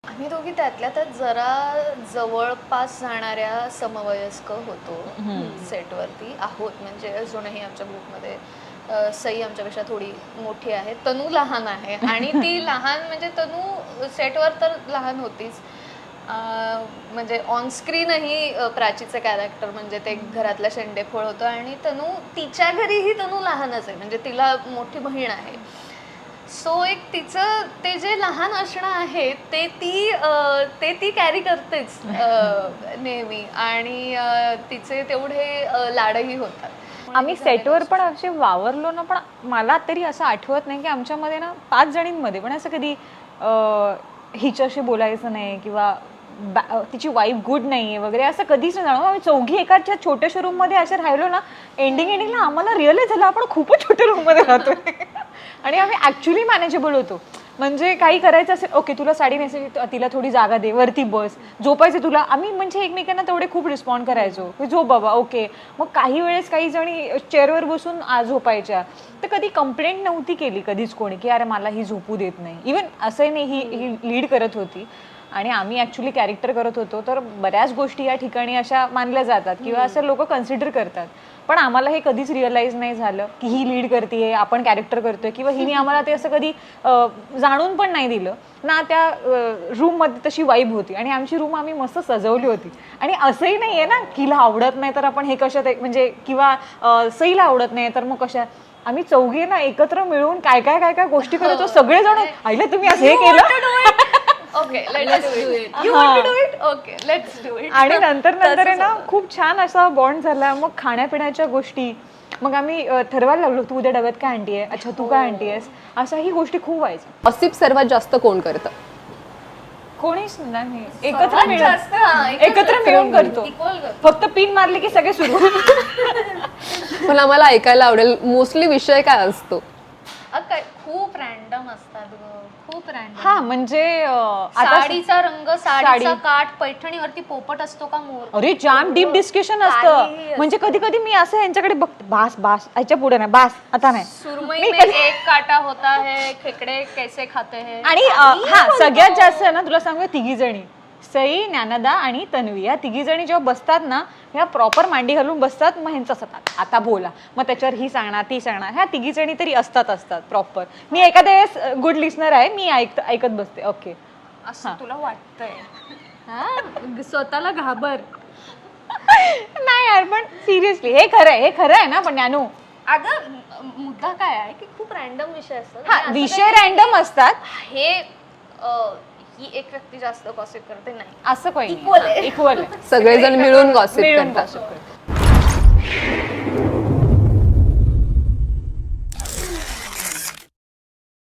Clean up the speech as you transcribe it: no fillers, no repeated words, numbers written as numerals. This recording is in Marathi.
आम्ही दोघी त्यातल्या त्यात जरा जवळपास जाणाऱ्या समवयस्क होतो सेटवरती आहोत. म्हणजे अजूनही आमच्या ग्रुपमध्ये सई आमच्यापेक्षा थोडी मोठी आहे, तनू लहान आहे आणि ती लहान म्हणजे तनू सेटवर तर लहान होतीच, म्हणजे ऑन स्क्रीनही प्राचीचं कॅरेक्टर म्हणजे ते घरातलं शेंडेफळ होतं आणि तनू तिच्या घरीही तनू लहानच आहे, म्हणजे तिला मोठी बहीण आहे. सो एक तिचं ते जे लहान असणं आहे ते ती कॅरी करतेच नेहमी आणि तिचे तेवढे लाडही होतात. आम्ही सेटवर पण असे वावरलो ना, पण मला तरी असं आठवत नाही की आमच्यामध्ये ना 5 जणींमध्ये पण असं कधी हिच्याशी बोलायचं नाही किंवा तिची वाईफ गुड नाहीये वगैरे असं कधीच नाही जाणवलं. आम्ही चौघी एकाच्या छोट्याशा रूम मध्ये असे राहिलो ना, एंडिंगला आम्हाला रिअलाइज झालं आपण खूपच छोट्या रूम मध्ये राहतोय आणि आम्ही ऍक्च्युली मॅनेजेबल होतो. म्हणजे काही करायचं असेल, ओके तुला साडी नेसायची, तिला थोडी जागा दे, वरती बस, झोपायचं तुला, आम्ही म्हणजे एकमेकांना तेवढे खूप रिस्पॉन्ड करायचो की झोप बाबा ओके. मग काही वेळेस काही जणी चेअरवर बसून झोपायच्या, तर कधी कंप्लेंट नव्हती केली कधीच कोणी की अरे मला ही झोपू देत नाही. इवन असंही नाही, ही लीड करत होती आणि आम्ही ॲक्च्युली कॅरेक्टर करत होतो, तर बऱ्याच गोष्टी या ठिकाणी अशा मानल्या जातात किंवा असं लोक कन्सिडर करतात. पण आम्हाला हे कधीच रिअलाइज नाही झालं की ही लीड करते, आपण कॅरेक्टर करतोय, किंवा हिने आम्हाला ते असं कधी जाणून पण नाही दिलं ना. त्या रूममध्ये तशी वाईब होती आणि आमची रूम आम्ही मस्त सजवली होती. आणि असंही नाही आहे ना की हिला आवडत नाही तर आपण हे कशात म्हणजे, किंवा सईला आवडत नाही तर मग कशा. आम्ही चौघी ना एकत्र मिळून काय काय काय काय गोष्टी करतो, सगळेजण आईला तुम्ही असं हे केलं. Okay let's do it, you want to do it, okay let's do it. आणि नंतर आहे ना खूप छान असा बॉन्ड झाला. मग खाण्यापिण्याच्या गोष्टी, मग आम्ही ठरवायला लागलो तू उद्या डब्यात काय आणतीये, अच्छा तू काय आणतीयस, अशा ही गोष्टी खूप व्हायच्या. गॉसिप सर्वात जास्त कोण करतं? कोणीच नाही, एकत्र मिळून करतो. फक्त पिन मारली की सगळे सुरू. मला मला ऐकायला आवडेल मोस्टली विषय काय असतो? खूप रॅन्डम असतात खूप रॅन्डम. हा म्हणजे साडीचा रंग, साडीचा काठ, पैठणीवरती पोपट असतो का मोर, अरे जाम डीप डिस्कशन असतं. म्हणजे कधी कधी मी असं यांच्याकडे बघते, बास बास याच्या पुढे नाही, बास आता नाही. सुरमई में एक काटा होता है, खेकडे कैसे खाते हैं. आणि हा सगळ्यात जास्त आहे ना, तुला सांगू, तिघी जणी सई, ज्ञानदा आणि तन्वी, या तिघी जणी जेव्हा बसतात ना, ह्या प्रॉपर मांडी घालून बसतात. मग ह्यांचं असतात आता बोला, मग त्याच्यावर ही सांगणार ती सांगणार, ह्या तिघी जणी तरी असतात प्रॉपर. मी एखाद्या वेळेस गुड लिस्नर आहे, मी ऐकत बसते. ओके असं तुला वाटतंय, स्वतःला घाबर. नाही यार, पण सिरियसली हे खरं आहे ना. पण ज्ञानू, अगं मुद्दा काय आहे की खूप रॅन्डम विषय असतात. हा विषय रॅन्डम असतात. हे ही एक व्यक्ती जास्त गॉसिप करते नाही, असं काही इक्वल आहे. इक्वल सगळेजण मिळून गॉसिप करतात. करतात.